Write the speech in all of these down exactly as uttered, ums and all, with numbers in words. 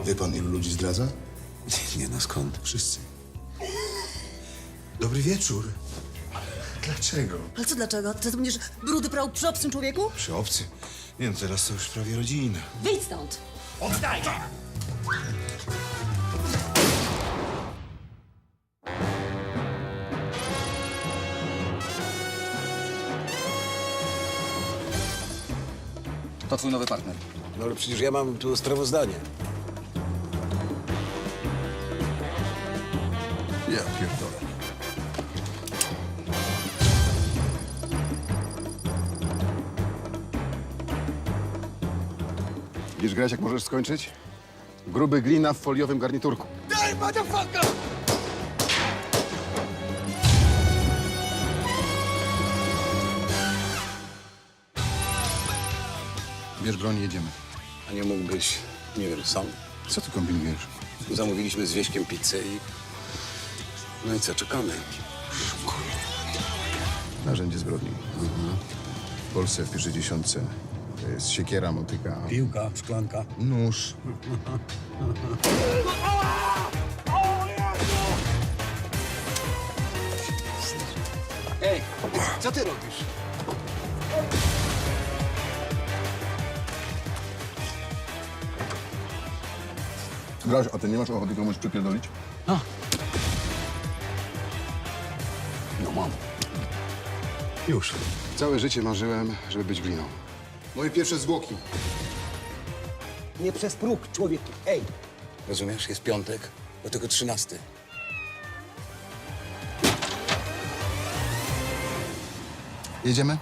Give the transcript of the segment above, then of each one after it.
Wie pan, ilu ludzi zdradza? Nie no, skąd? Wszyscy. Dobry wieczór. Dlaczego? Ale co dlaczego? Ty będziesz brudy prał przy obcym człowieku? Przy obcy. Nie wiem, teraz to już prawie rodzina. Wyjdź stąd! To twój nowy partner. No ale przecież ja mam tu sprawozdanie. Ja pierdolę. Wiesz grać, jak możesz skończyć? Gruby glina w foliowym garniturku. Daj, motherfucker! Bierz broń, jedziemy. A nie mógłbyś, nie wiem, sam? Co ty kombinujesz? Zamówiliśmy z Wieśkiem pizzę i... No i co, czekamy. Narzędzie zbrodni. W Polsce w pierwszej dziesiątce to jest siekiera, motyka, Piłka, szklanka. nóż. Ej, co ty robisz? Graś, a ty nie masz ochoty komuś przypierdolić? No mam. Już. Całe życie marzyłem, żeby być gliną. Moje pierwsze zwłoki. Nie przez próg, człowieku. Ej! Rozumiesz, jest piątek, do tego trzynasty. Jedziemy?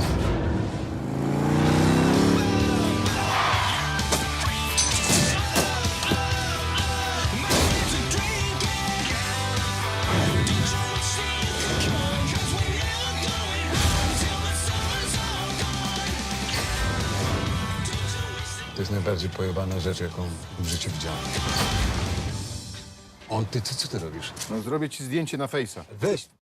To jest najbardziej pojebana rzecz, jaką w życiu widziałem. On, ty, ty co ty robisz? No zrobię ci zdjęcie na fejsa. Weź.